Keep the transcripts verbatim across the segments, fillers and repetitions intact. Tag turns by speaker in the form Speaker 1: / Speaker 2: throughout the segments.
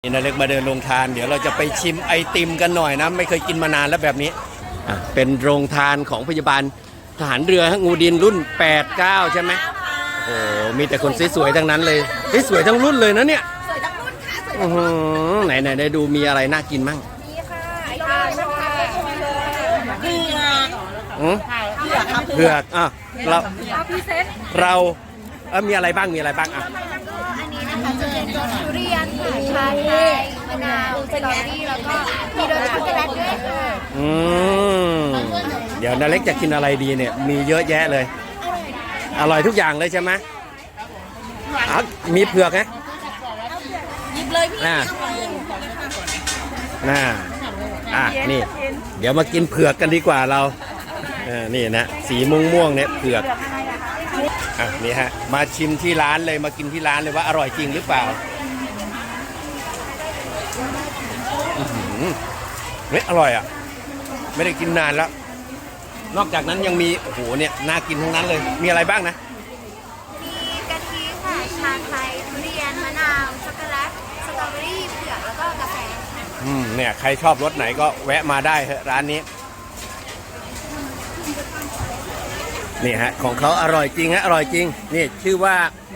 Speaker 1: นี่นาเล็กมาเดินโรงทานเดี๋ยวเราจะไปชิมไอติมกันหน่อยนะไม่เคยกินมานานแล้วแบบนี้อ่ะเป็นโรงทานของพยาบาลทหารเรืองูดินรุ่นแปด เก้าใช่ไหมโอ้โหมีแต่คนสวยๆทั้งนั้นเลยสวยทั้งรุ่นเลยนะเนี่ย
Speaker 2: สวยทั้งรุ่นค่ะสวย
Speaker 1: อือไหนไหนได้ดูมีอะไรน่ากินมั่ง
Speaker 2: นี่ค่ะไอติมนะคะเผือก
Speaker 1: อืม
Speaker 2: เผือกครับ
Speaker 1: เผือกอ่ะเรา
Speaker 2: เอาพรีเซนต์
Speaker 1: เราเออมีอะไรบ้างมีอะไรบ้างอ่ะ
Speaker 2: อันนี้นะคะจะเป็นรสทุเรียนค่ะชาไทยมะนาวสตรอเบอรี่แล้วก็มีรสช็อกโกแลตด้วยค่ะ
Speaker 1: อืมเดี๋ยวนาเล็กจะกินอะไรดีเนี่ยมีเยอะแยะเลยอร่อยทุกอย่างเลยใช่ไหมอ่ะมีเผือกไหม
Speaker 2: หยิบเลยพี่
Speaker 1: น่าน่าอ่ะนี่ เดี๋ยวมากินเผือกกันดีกว่าเราเออนี่นะสีม่วงม่วงเนี่ยเผือกอ่ะนี่ฮะมาชิมที่ร้านเลยมากินที่ร้านเลยว่าอร่อยจริงหรือเปล่าเฮ้ยอร่อยอ่ะไม่ได้กินนานแล้วนอกจากนั้นยังมีโอ้โหเนี่ยน่ากินทั้งนั้นเลยมีอะไรบ้างนะ
Speaker 2: มีกะทิค่ะชาไทยทุเรียนมะนาวช็อกโกแลตสตรอเบอรี่เผือกแล้วก็กาแฟ
Speaker 1: อืมเนี่ยใครชอบรสไหนก็แวะมาได้เถอะร้านนี้นี่ฮะของเขาอร่อยจริงฮะอร่อยจริงนี่ชื่อว่า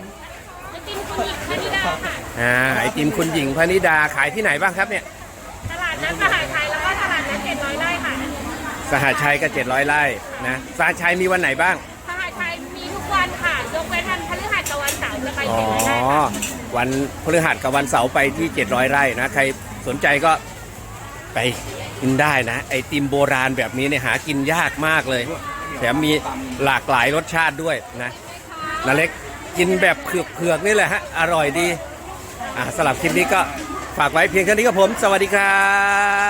Speaker 1: อ่าไอติมคุณหญิงพนิดาขายที่ไหนบ้างครับเนี่ย
Speaker 3: ตลาดนัดสหชัยแล้วก็ตลาดนัดเจ็ดร้อยไร่ค่ะ
Speaker 1: สหชัยก็เจ็ดร้อยไร่นะสหชัยมีวันไหนบ้าง
Speaker 3: สหชัยมีทุกวันค่ะยกเว้นวันพฤหัสกับวันเสาร์จะไป
Speaker 1: อ๋อ
Speaker 3: เจ็ดร้อยไร่ค่ะ
Speaker 1: วันพฤหัสกับวันเสาร์ไปที่เจ็ดร้อยไร่นะใครสนใจก็ไปกินได้นะไอติมโบราณแบบนี้เนี่ยหากินยากมากเลยแถมมีหลากหลายรสชาติด้วยนะนาเล็กกินแบบเผือกๆนี่แหละฮะอร่อยดีอ่าสำหรับคลิปนี้ก็ฝากไว้เพียงแค่นี้ครับผมสวัสดีครับ